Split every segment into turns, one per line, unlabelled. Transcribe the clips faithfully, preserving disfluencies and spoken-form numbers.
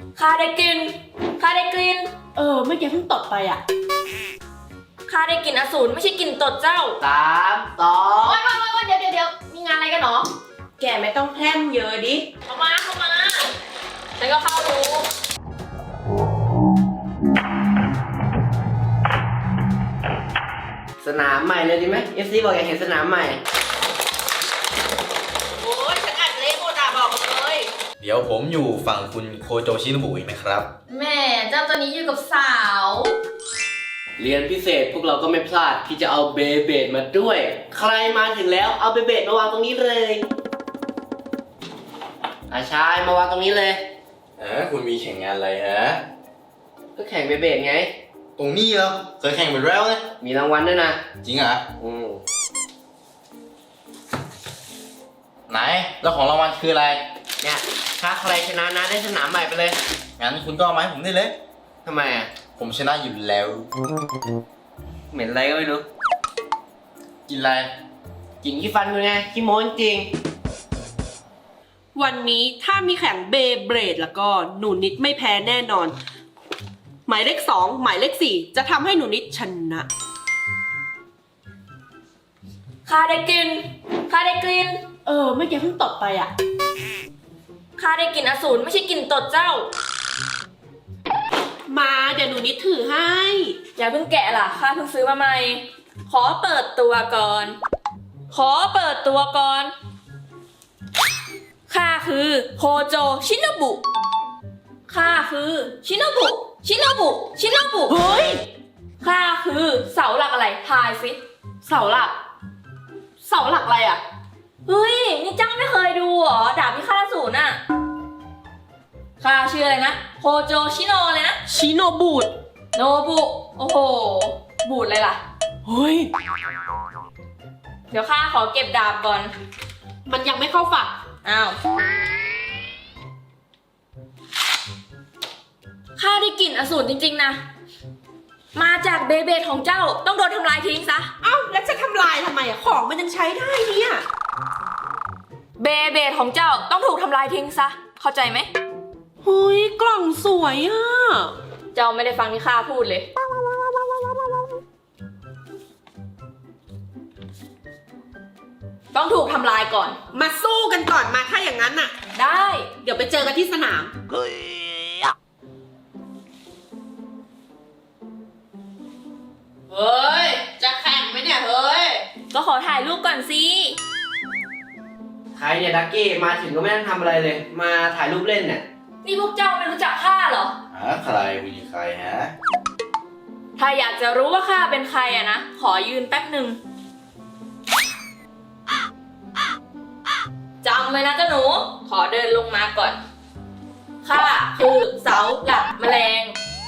ข้าได้กลิ่นข้าได้กลิ่น
เออเมื่อกี้เพิ่งตดไปอ่ะ
ข้าได้กลิ่นอสูรไม่ใช่กลิ่นตดเจ้า
สามสอง
โอ๊ยโอ๊ยโอ๊ยเดี๋ยวเดี๋ยวเดี๋ยวมีงานอะไรกันหรอ
แกไม่ต้องแพร่มเยอะดิ
เข้ามาเข้ามาฉันก็เข้าดู
สนามใหม่เลยดีไหม เอฟ ซี บอกอยากเห็นสนามใหม่
โอ้ยฉันอัดเละโมดาบอกเลย
เดี๋ยวผมอยู่ฝั่งคุณโคโจชิโนบุอีกไหมครับ
แม่เจ้าตัวนี้อยู่กับสาว
เรียนพิเศษพวกเราก็ไม่พลาดที่จะเอาเบเบดมาด้วย ใครมาถึงแล้วเอาเบเบดมาวางตรงนี้เลยอาชายมาวางตรงนี้เลย
เออคุณมีแข่งงานอะไรฮะ
ก็แข่งเบเบดไง
ตรงนี้เหรอเคยแข่งไปแล้วนะ
มีรางวัลด้วยนะ
จริงเหรอ
อืม
ไหน แล้วของรางวัลคืออะไร
เนี่ยถ้าใครชนะนะได้สนามใหม่ไปเลย
งั้นคุณก็เอามาให้ผมได้เลย
ทำไมอ่ะ
ผมชนะอยู่แล้ว
เหม็นอะไรก็ไม่รู้
กินอะไร
กลินขี้ฟันคุณไงขี้โม้จริง
วันนี้ถ้ามีแข่งเบเบรดแล้วก็หนูนิดไม่แพ้แน่นอน หมายเลขสองหมายเลขสี่จะทำให้หนูนิดชนะ
ข้าได้กลิ่นข้าได้กลิ่น
เออเมื่อกี้เพิ่งตดไปอ่ะ
ข้าได้กลิ่นอสูรไม่ใช่กลิ่นตดเจ้า
มาเดี๋ยวหนูนิดถือให้
อย่าเพิ่งแกะล่ะข้าเพิ่งซื้อมาใหม่ ขอเปิดตัวก่อน ขอเปิดตัวก่อน ข้าคือโคโจชิโนบุ ข้าคือชิโนบุ ชิโนบุ ชิโนบุ
เฮ้ย
ข้าคือเสาหลักอะไร ทายสิ
เสาหลัก เสาหลักอะไรอ่ะ
เฮ้ย นี่เจ้าไม่เคยดูเหรอ ดาบพิฆาตอสูรน่ะ ข้าชื่ออะไรนะ โคโจชิโนเลยนะ
ชิโนบูด
โนบุ โอ้โห บูดเลยล่ะ
เฮ้ย
เดี๋ยวข้าขอเก็บดาบก่อน
มันยังไม่เข้าฝัก
อ้าว ข้าได้กลิ่นอสูรจริงๆนะ มาจากเบเบดของเจ้าต้องโดนทำลายทิ้งซะ
เอ้าแล้วจะทำลายทำไมอ่ะ ของมันยังใช้ได้เนี่ย
เบเบดของเจ้าต้องถูกทำลายทิ้งซะ เข้าใจไหม
เฮ้ยกล่องสวยอ่ะ
เจ้าไม่ได้ฟังที่ข้าพูดเลย ต้องถูกทำลายก่อน
มาสู้กันก่อนมาถ้าอย่างนั้นน่ะ
ได้
เดี๋ยวไปเจอกันที่สนาม เฮ้ย จะแข่งไหมเนี่ย เฮ้ย
ก็ขอถ่ายรูปก่อนสิ
ๆ ใครเนี่ยดักกี้มาถึงก็ไม่ต้องทำอะไรเลย มาถ่ายรูปเล่นเนี่ย
นี่พวกเจ้าไม่รู้จักข้าเหรอ
หาใครคุณยิงใครฮะ
ถ้าอยากจะรู้ว่าข้าเป็นใครอะนะ ขอยืนแป๊บหนึ่งจำไว้นะเจ้าหนู ขอเดินลงมาก่อน ข้าคือเสาหลักแมลง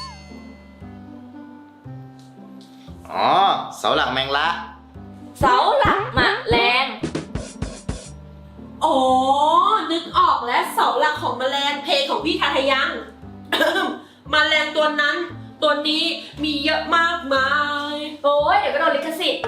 อ๋อ เสาหลักแมงละ
เสาหลักแมลง
อ๋อ นึกออกแล้วเสาหลักของแมลงเพลงของพี่ทาทายัง แมลงตัวนั้น ตัวนี้มีเยอะมากมาย
โอ้ยเดี๋ยวก็โดนลิขสิทธิ์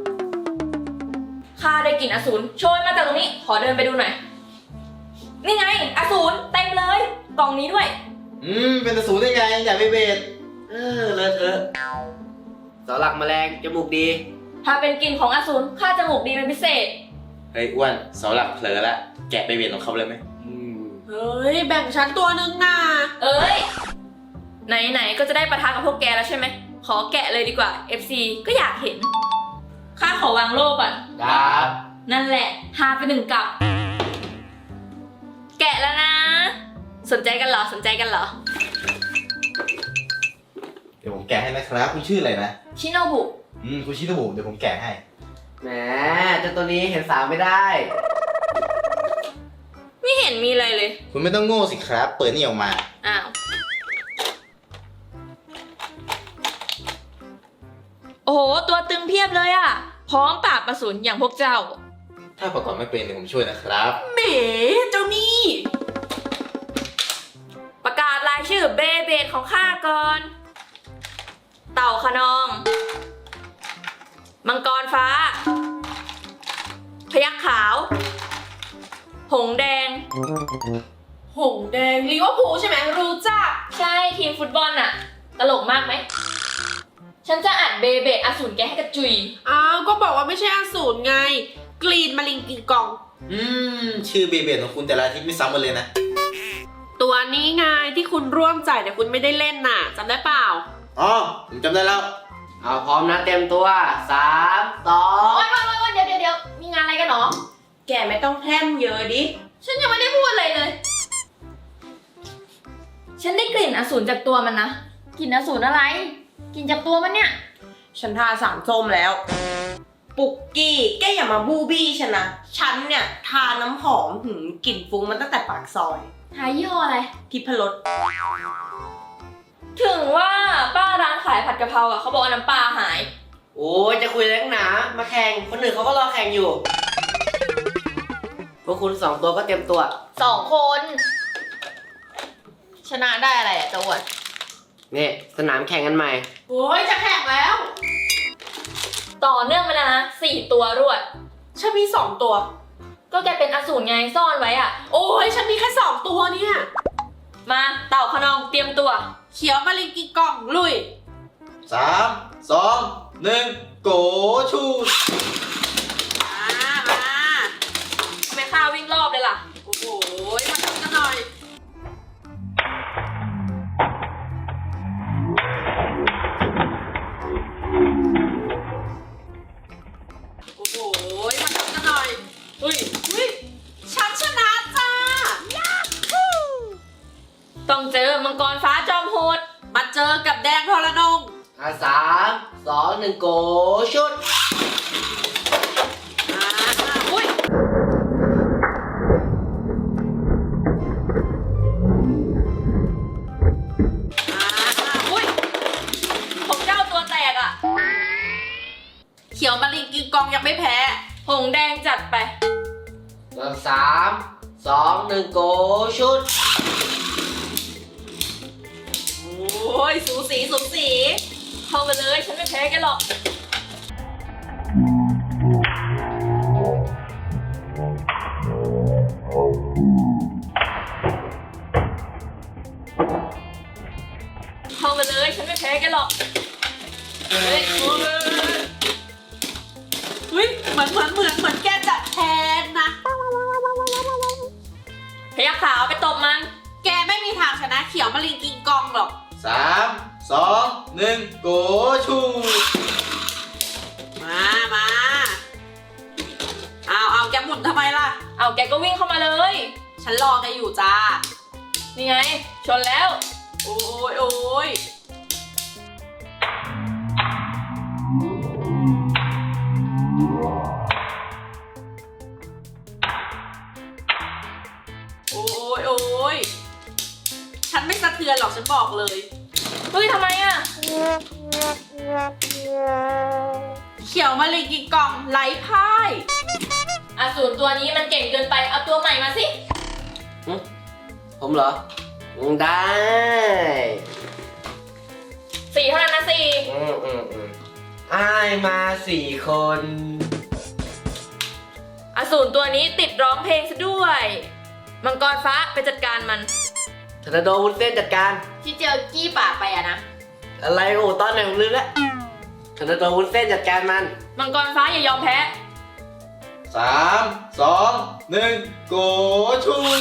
ข้าได้กลิ่นอสูรโชยมาจากตรงนี้ ขอเดินไปดูหน่อย นี่ไง อสูรเต็มเลย กล่องนี้ด้วย
อืม เป็นตะสูได้ไงอยากไปเบส
เออเลอะเทอะเสาหลักแมลงจมูกดี
ถ้าเป็นกลิ่นของอสูรข้าจมูกดีเป็นพิเศษ
เฮ้ยอ้วนเสาหลักเผลอละ แกะไปเบสของเขาเลยไหม
อืม
เฮ้ย แบ่งฉันตัวนึงนะ
เอ้ย ไหนๆ ก็จะได้ประทะกับพวกแกแล้วใช่ไหม ขอแกะเลยดีกว่า เอฟ ซี ก็อยากเห็น ข้าขอวางโล่ก่อน
ครับ
นั่นแหละหาไปหนึ่งกับ แกะแล้วนะ สนใจกันเหรอ สนใจกันเหรอ
เดี๋ยวผมแกะให้นะครับคุณชื่ออะไรนะ
ชิโนบุ
อืมคุณชิโนบุเดี๋ยวผมแกะให้
แหมเจ้าตัวนี้เห็นสาวไม่ได้
ไม่เห็นมีอะไรเลย
คุณไม่ต้องโง่สิครับ เปิดนี่ออกมา
อ้าว โอ้โห ตัวตึงเพียบเลยอะพร้อมปราบอสูรอย่างพวกเจ้า
ถ้าประกอบไม่เป็นเดี๋ยวผมช่วยนะครับ
แหมเจ้านี่
ประกาศรายชื่อเบเบดของข้าก่อน เต่าขนอง มังกรฟ้า พยัคฆ์ขาว หงส์แดง
หงแดงลิเวอร์พูลใช่ไหมรู้จัก
ทีมฟุตบอลน่ะ ตลกมากไหม ฉันจะอัดเบเบดอสูรแกให้กระจุย
อ้าวก็บอกว่าไม่ใช่อสูรไง กรีนมาลิงกิงกอง
อืม ชื่อเบเบดของคุณแต่ละอาทิตย์ไม่ซ้ำกันเลยนะ
ตัวนี้ไงที่คุณร่วมจ่ายแต่คุณไม่ได้เล่นน่ะจำได้เปล่า
อ๋อ ผมจำได้แล้ว
เอาพร้อมนะเต็มตัวสามสอง
โอ๊ยโอ๊ยโอ๊ยเดี๋ยวเดี๋ยวเดี๋ยวมีงานอะไรกันหรอ
แกไม่ต้องแพร่มเยอะดิ
ฉันยังไม่ได้พูดอะไรเลย ฉันได้กลิ่นอสูรจากตัวมันนะ กลิ่นอสูรอะไร กลิ่นจากตัวมันเนี่ย
ฉันทาสารส้มแล้ว ปุกกี้แกอย่ามาบูบี้ฉันนะ ฉันเนี่ยทาน้ำหอมหืมกลิ่นฟุ้งมันตั้งแต่ปากซอย
ทายยี่ห้ออะไร
ทิพรส
ถึงว่าป้าร้านขายผัดกะเพราอ่ะเขาบอกว่าน้ำปลาหาย
โอ้ยจะคุยอะไรนักหนา มาแข่ง คนอื่นเขาก็รอแข่งอยู่ พวกคุณสองตัวก็เตรียมตัว
สองคน ชนะได้อะไรอ่ะจะอวด
นี่สนามแข่งกันใหม่
โอ้ยจะแข่งแล้ว
ต่อเนื่องมาแล้วนะสี่ตัวรวด
ฉันมีสองตัว
ก็แกเป็นอสูรไงซ่อนไว้อ่ะ
โอ้ยฉันมีแค่สองตัวเนี่ย
มาเต่าขนองเตรียมตัว
เขียวมาลิงกิงกองลุย
สาม สอง หนึ่ง โกชูด
มามา
ทำไมข้าวิ่งรอบเลยล่ะ
โอ้โหมาทำกันหน่อย โอ้โหมาทำกันหน่อย
เฮ้ย
เฮ้ยฉันชนะจ้า
ต้องเจอมังกรฟ้าจอมโหด
มาเจอกับแดงทรนง
อ่ะสามสองหนึ่งโกชุด
มาอุ้ย มาอุ้ย
ของเจ้าตัวแตกอ่ะ
เขียวมาลิงกิงกองยังไม่แพ้
หงแดงจัดไป
สามสองหนึ่งโกชุด
โอ้ยสูสีสูสี
เข้ามาเลยฉันไม่แพ้แกหรอก เข้ามาเลยฉันไม่แพ้แกหรอก เฮ้ย
เฮ้ยเหมือนเหมือนเหมือนเหมือนแกจะแพ้นะ
พยักขาวไปตบมัน
แกไม่มีทางชนะเขียวมาลิงกิงกองหรอก
สาม สอง หนึ่ง โกชูด
มามาเอาเอาแกหมุนทำไมล่ะ
เอาแกก็วิ่งเข้ามาเลย
ฉันรอแกอยู่จ้า
นี่ไง ชนแล้ว
โอ้ยโอ้ยโอ้ยโอ้ยฉันไม่สะเทือนหรอกฉันบอกเลย
เฮ้ยทำไมอ่ะ
เขียวมาลิงกิงกองไร้พ่าย
อสูรตัวนี้มันเก่งเกินไป เอาตัวใหม่มาสิ
ผมเหรอ ได้
สี่เท่านั้นนะสี่
อืมอืมอืมอ้ายมาสี่คน
อสูรตัวนี้ติดร้องเพลงซะด้วย มังกรฟ้าไปจัดการมัน
ธนาโดวุ้นเส้นจัดการ
ที่เจอกี้ป่าไปอะนะ
อะไรโอ้ตอนไหนผมลืมแล้วธนาโดวุ้นเส้นจัดการมัน
มังกรฟ้าอย่ายอมแพ้
สาม สอง หนึ่ง โกชูด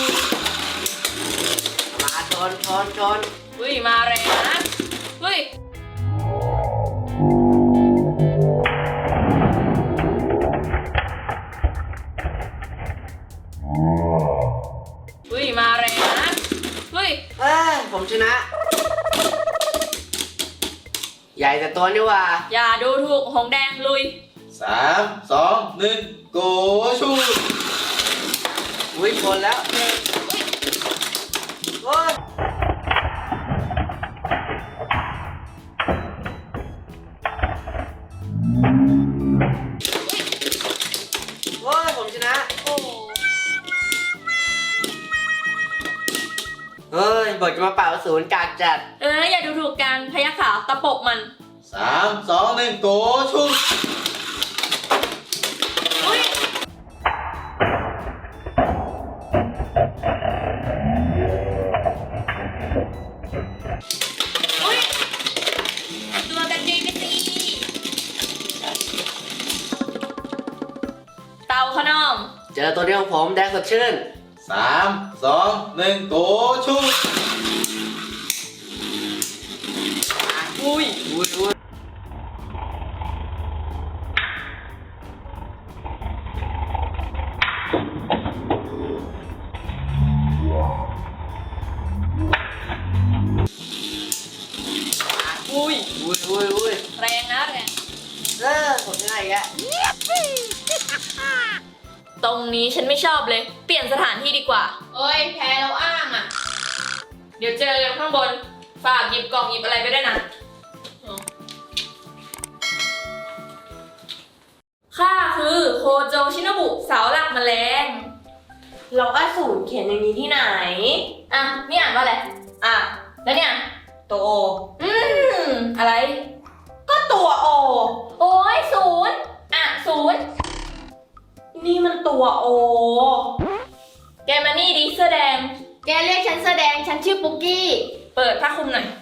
มาชนชนชน
เฮ้ยมาแรงนะ เฮ้ย เฮ้ยมาแรงนะ เฮ้ย
เอ้ยผมชนะ ใหญ่แต่ตัวนี่หว่า
อย่าดูถูกหงแดงลุย
สาม สอง หนึ่ง โกชูด
อุ้ยชนแล้วโอ้ยโอ้ยผมชนะ
โอ้
เฮ้ยบอกจะมาเป่าศูนย์กากจัด
เอออย่าดูถูกกันพยัคฆ์ขาวตะปบมัน
สาม สอง หนึ่ง โกชูด
อุ้ยตัวกันเองไปสิเต่าขนอง
เจอตัวเดียวของผมแดงสดชื่น
สามสองหนึ่งโกชุด
อุ้ย
อุ้ยอุ้ย
อุ้ย
อุ้ยอุ้ยอุ้ย
แรงนะแรง
เออผมยังไงแก
ตรงนี้ฉันไม่ชอบเลย เปลี่ยนสถานที่ดีกว่า เอ้ย แพ้เราอ้างอ่ะ เดี๋ยวเจอกันข้างบน ฝากหยิบกล่องหยิบอะไรไปด้วยนะข้าคือโคโจชินบุเสาหลักแมลง
เราอสูรเขียนอย่างนี้ที่ไหน
อ่ะ นี่อ่านว่าอะไร
อ่ะ
แล้วเนี่ย
ตัวโอ
อืม อะไร
ก็ตัวโอ
โอ้ยศูนย์อ่ะศูนย์
นี่มันตัวโอ
แกมานี่ดิเสื้อแดง
แกเรียกฉันแสดงฉันชื่อปุ๊กกี้
เปิดผ้าคลุมหน่อย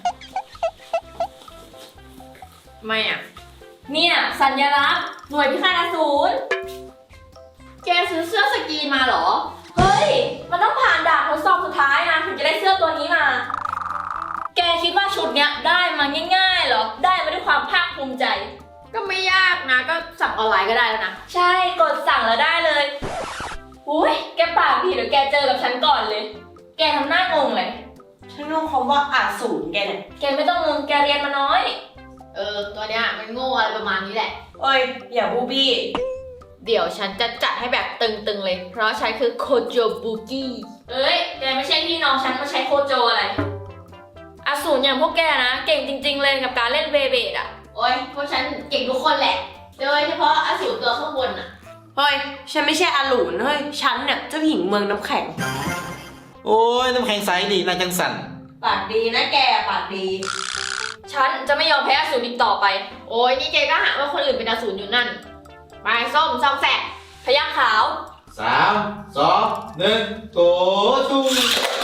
ไม่อ่ะ เนี่ยสัญลักษณ์หน่วยพิฆาตอสูร
แกซื้อเสื้อสกรีนมาเหรอ
เฮ้ย มันต้องผ่านด่านทดสอบสุดท้ายนะถึงจะได้เสื้อตัวนี้มา แกคิดว่าชุดเนี้ยได้มาง่ายๆเหรอ ได้มาด้วยความภาคภูมิใจ
ก็ไม่ยากนะ ก็สั่งออนไลน์ก็ได้แล้วนะ
ใช่ กดสั่งแล้วได้เลย อุ้ย แกปากดีเดี๋ยวแกเจอกับฉันก่อนเลย แกทำหน้างงเลย
ฉันงงคำว่าอาสูรแกเนี่ย
แกไม่ต้องงง แกเรียนมาน้อย
เออ ตัวเนี้ยมันโง่อะไรประมาณนี้แหละ
เอ้ย อย่าบูบี้
เดี๋ยวฉันจะจัดให้แบบตึงๆเลย เพราะฉันคือโคโจบุกี้
เอ้ย แกไม่ใช่พี่น้องฉันมาใช้โคโจอะไรอสูรอย่างพวกแกนะ เก่งจริงๆเลยกับการเล่นเบเบดอะ
โอ้ยพวกฉันเก่งทุกคนแหละ โดยเฉพาะอสูรตัวข้างบนอะ
เฮ้ย ฉันไม่ใช่อาหลูนเฮ้ย ฉันเนี่ยเจ้าหญิงเมืองน้ำแข็ง
โอ้ยน้ำแข็งใสนี่นายจังสัน
ปากดีนะแก ปากดี
ฉันจะไม่ยอมแพ้อสูรอีกต่อไป
โอ้ยนี่แกก็หาว่าคนอื่นเป็นอสูรอยู่นั่นไปส้มซองแสก
พยัคฆ์ขาว
สามสองหนึ่งโกชุด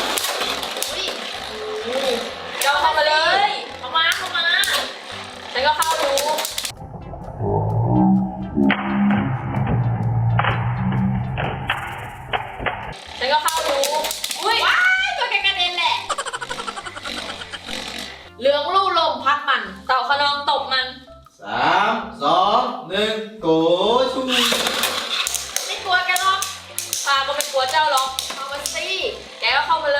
อุ้ย
เราเข้ามาเลย
เข้ามาเข้ามา
ฉันก็เข้ารู้ฉันก็เข้ารู้อุ้ย
ว้ายตัวแกกระเด็นแหละเหลืองลู่ลมพัดมัน
เต่าขนองตบมัน
สามสองหนึ่งโกชุด
ไม่กลัวแกหรอก
ข้าก็ไม่กลัวเจ้าหรอก
เอามาสิ
แกก็เข้ามาเลย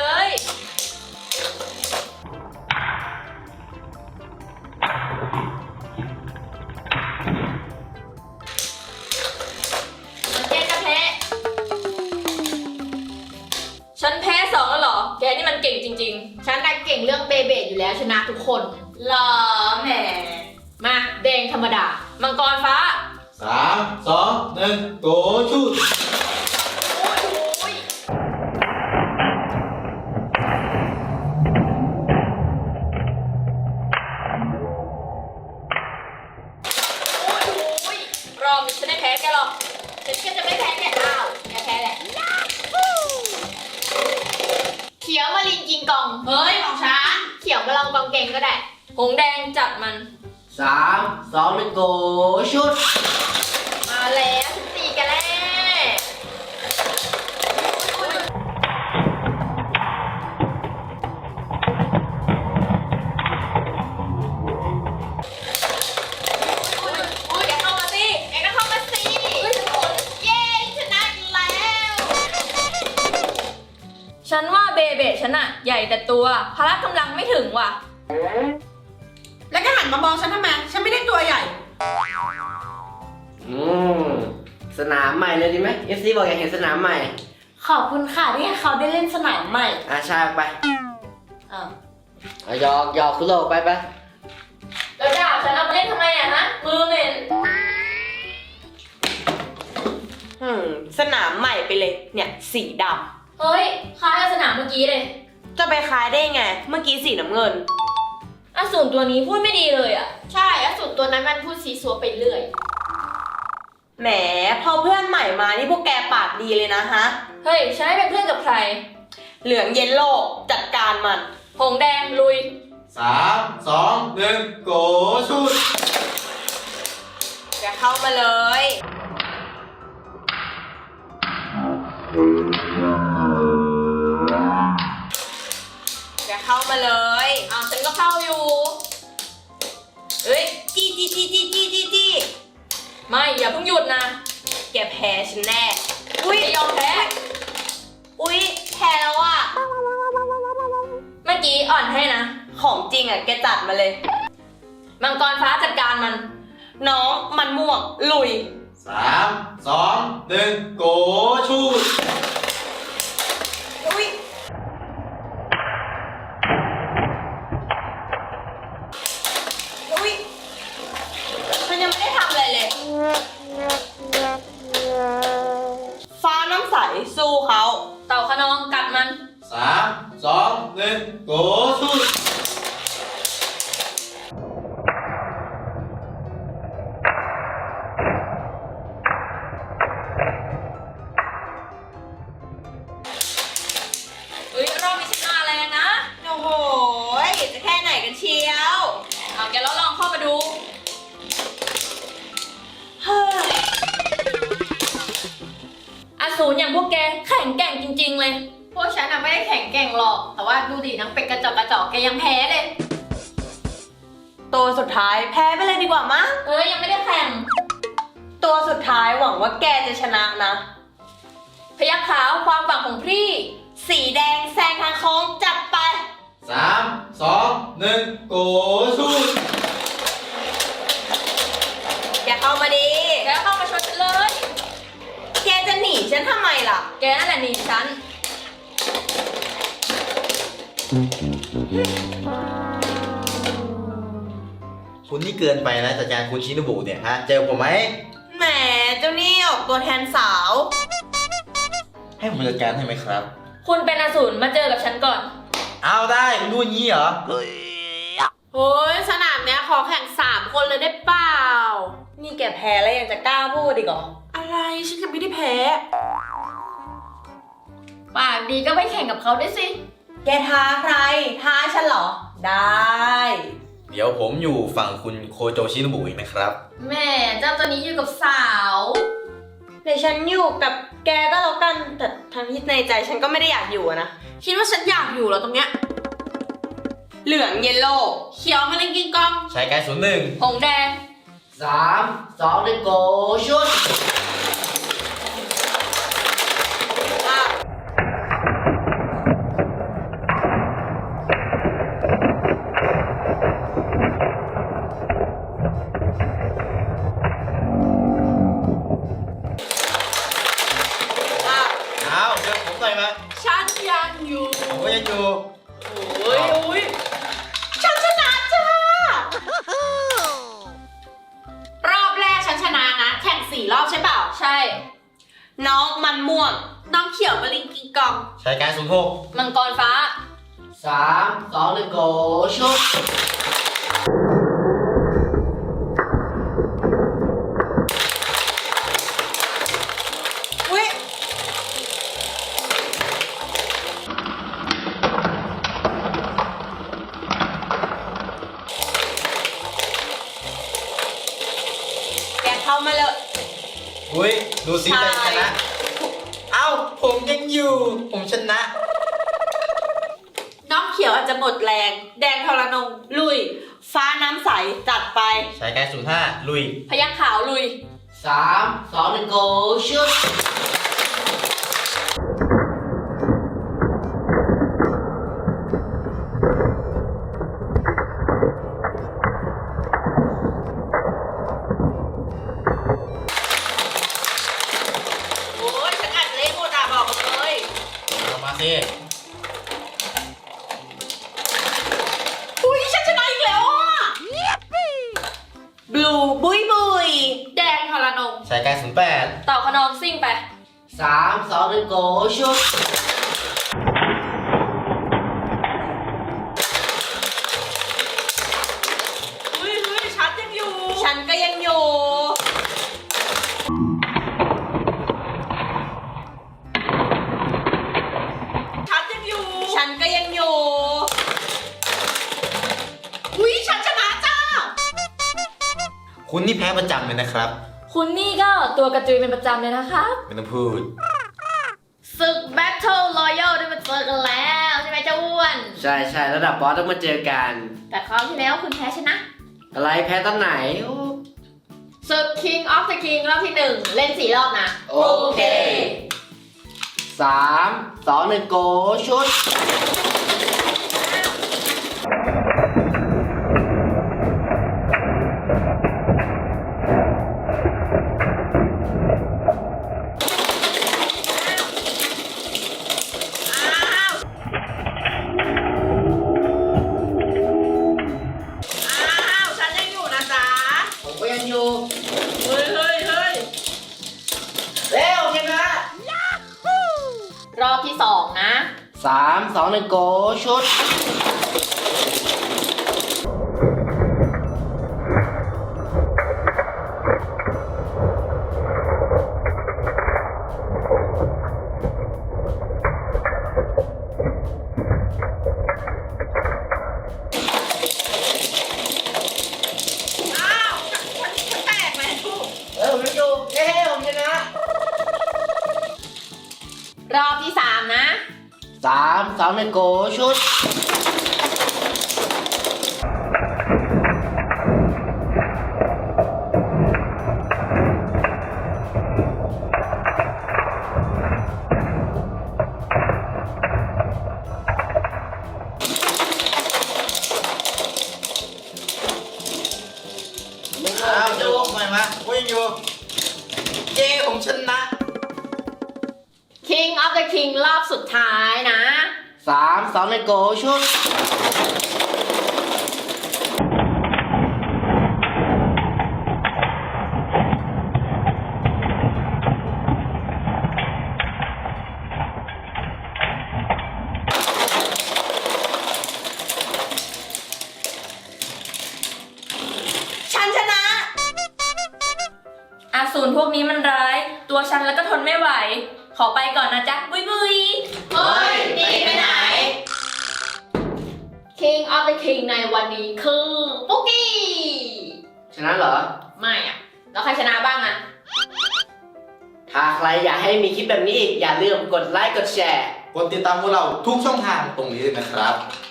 แกจะแพ้
ฉันแพ้สองแล้วเหรอ แกนี่มันเก่งจริง
ฉันน่ะเก่งเรื่องเบเบดอยู่แล้วชนะทุกคน
ๆหรอแหม
มาแดงธรรมดา
มังกรฟ้า
สามสองหนึ่งโกชุด
โอ้ยโอ้ยโอ้ยโอ้ย
รอบนี้ฉันไม่แพ้แกหรอก
ฉันก็จะไม่แพ้แกอ้าวแกแพ้แหละเขียวมาลินกิงกอง
เฮ้ยของฉัน
เขียวมาลองกองเกงก็ได้
หงแดงจัดมัน
สามสองหนึ่งโกชุด
มาแล้วฉันตีกันแล้วอุ๊ยอุ๊ยแกเข้ามาสิแกก็เข้ามาสิเฮ้ยฉันโดนเย้ชนะอีกแล้ว
ฉันว่าเบเบะฉันอะใหญ่แต่ตัวพละกำลังไม่ถึงว่ะ
แล้วก็หันมามองฉันทำไม ฉันไม่ได้ตัวใหญ่
อืมสนามใหม่เลยดีไหม เอฟ ซี บอกอยากเห็นสนามใหม่
ขอบคุณค่ะที่ให้เขาได้เล่นสนามใหม่
อ่ะใช่ไป
อ่า
อ่ะหยอกหยอกคุณโลกไปไป
แล้วดาบฉันเอามาเล่นทำไมอะฮะ มือเหม็น
อืม สนามใหม่ไปเลย เนี่ย สีด
เฮ้ยคล้ายกับสนามเมื่อกี้เลย
ำ จะไปคล้ายได้ไง เมื่อกี้สีน้ำเงิน
อสูรตัวนี้พูดไม่ดีเลยอะ
ใช่อสูรตัวนั้นมันพูดซีซัวไปเรื่อย
แหม พอเพื่อนใหม่มานี่พวกแกปากดีเลยนะฮะ
เฮ้ยฉันให้เป็นเพื่อนกับใคร
เหลืองเยลโล่จัดการมัน
หงแดงลุย
สามสองหนึ่งโก
เข้ามาเลยอย่าเข้ามาเลยเอาฉันก็เข้าอยู่เฮ้ยจีจีจีจีจีจีจี
ไม่อย่าเพิ่งหยุดนะ
แกแพ้ฉันแน่
อุ้ยยอมแพ้
อุ๊ยแพ้แล้วอ่ะ
เมื่อกี้อ่อนให้นะ
ของจริงอ่ะแกจัดมาเลย
มังกรฟ้าจัดการมัน
น้องมันม่วงลุย
สามสองหนึ่งโกชูด
อุ๊ยอุ๊ยมันยังไม่ได้ทำอะไรเลย ฟ้าน้ำใสสู้เขา
เต่าขนองกัดมัน
สามสองหนึ่งโกชูด
เฮ้ยรอบนี้ชนะแรงนะ
โอ้โหจะแค่ไหนกันเชียว
เอาแกแล้วลองเข้ามาดู
เฮ้ย
อสูรอย่างพวกแกแข็งแกร่งจริงๆเลย
พวกฉันอะไม่ได้แข่งแกร่งหรอก แต่ว่าดูดินางเป็ดกระจอกกระจอกแกยังแพ้เลย
ตัวสุดท้ายแพ้ไปเลยดีกว่ามั้ง
เอ้ยยังไม่ได้แข่ง
ตัวสุดท้ายหวังว่าแกจะชนะนะ
พยัคฆ์ขาวความหวังของพี่
สีแดงแซงทางโค้งจัดไป
สามสองหนึ่งโกชูด
แกเข้ามาดี
แกเข้ามาชนฉันเลย
แกจะหนีฉันทำไมล่ะ
แกนั่นแหละหนีฉัน
คุณนี่เกินไปนะจัดการคุณชินบุเนี่ยฮะ เจอผมไหม
แหมเจ้านี่ออกตัวแทนสาว
ให้ผมจัดการให้ไหมครับ
คุณเป็นอสูรมาเจอกับฉันก่อน
เอาได้คุณดูอย่างนี้เหรอ
โอ้ยสนามเนี้ยขอแข่งสามคนเลยได้เปล่า นี่แกแพ้แล้วยังจะกล้าพูดอีกเหรอ อะไรฉันยังไม่ได้แพ้
ปากดีก็ไปแข่งกับเขาด้วยสิ
แกท้าใคร ท้าฉันเหรอ ได้
เดี๋ยวผมอยู่ฝั่งคุณโคโจชินบุอีกนะครับ
แม่เจ้าตัวนี้อยู่กับสาว
เดี๋ยวฉันอยู่กับแกก็แล้วกัน แต่ทั้งที่ในใจฉันก็ไม่ได้อยากอยู่อะนะ คิดว่าฉันอยากอยู่เหรอตรงเนี้ย เหลืองเยลโล่เขียวมาเล่นกิงกอง
ใช้การศูนย์หนึ่ง
หงแดง
สามสองหนึ่งโกชุด
อ่ะอ่ะ
เอาเดี๋ยวผมหน่อยมา
ฉันยังอยู่
ผมก็ยังอยู่
โอ้ยโอ้ยฉันชนะจ้า รอบแรกฉันชนะนะ แข่งสี่รอบใช่เปล่า
ใช่
น้องมันม่วง น้องเขียวมาลิงกิงกอง
ใช้การศูนย์หก
มังกรฟ้า
สามสองหนึ่งโกชุด
อุ้ยแกเข้ามาเลย
อุ้ยดูสิใครชนะ เอ้าผมยังอยู่ ผมชนะ
น้องเขียวอาจจะหมดแรง แดงทรนง ลุย ฟ้าน้ำใส จัดไป
ใช้การศูนย์ห้าลุย
พยัคฆ์ขาวลุย
สามสองหนึ่งโกชุด
โอ้ยฉันอัดเล่นโมดาบอกเลย
เอามาสิ
อุ้ยฉันชนะอีกแล้วอ่ะบลูบุยบุย แดงทรนง
ใช้การศูนย์แปด
เต่าขนองซิ่งไป
สามสองหนึ่งโกชุด
เฮ้ยเฮ้ยฉันยังอยู่ ฉันก็ยังอยู่ ฉันยังอยู่ ฉันก็ยังอยู่ อุ้ยฉันชนะจ้า
คุณนี่แพ้ประจำเลยนะครับ
คุณนี่ก็ตัวกระจุยเป็นประจำเลยนะครับ
ไม่ต้องพูด
ศึก Battle Royale ได้มาเจอกันแล้วใช่ไหมเจ้าอ้วน
ใช่ใช่ระดับบอสต้องมาเจอกัน
แต่คราวที่แล้วคุณแพ้ชนะ
อะไรแพ้ตอนไหนโอ้
ศึก King of the King รอบที่หนึ่งเล่นสี่รอบนะ
โอเคสามสองหนึ่งโกชุด
อ้าว ฉันยังอยู่นะจ๊ะ
ผมก็ยังอยู่
เฮ้ยเฮ้ยเฮ้ย
เร็วชนะ
รอบที่สองนะ
สามสองหนึ่งโกชุด
อ้าวฉันฉันฉันแตกแล้ว
เออผมยังอยู่เฮ้ผมชนะ
รอบที่สามนะ
สามสองหนึ่งโกชุด
อ้าวจะลงไปมะผมยังอยู่ เย้ผมชนะ
King of the King รอบสุดท้ายนะ
สามสองหนึ่งโกชุด
ฉันชนะ
อาสูรพวกนี้มันร้าย ตัวฉันแล้วก็ทนไม่ไหว ขอไปก่อนนะจ๊ะ บุยบุย
เฮ้ยหนีไปไหน King of the King ในวันนี้คือปุ๊กกี้
ชนะเหรอ
ไม่อะแล้วใครชนะบ้างอะ
ถ้าใครอยากให้มีคลิปแบบนี้อีก อย่าลืมกดไลค์กดแชร์
กดติดตามพวกเราทุกช่องทางตรงนี้เลยนะครับ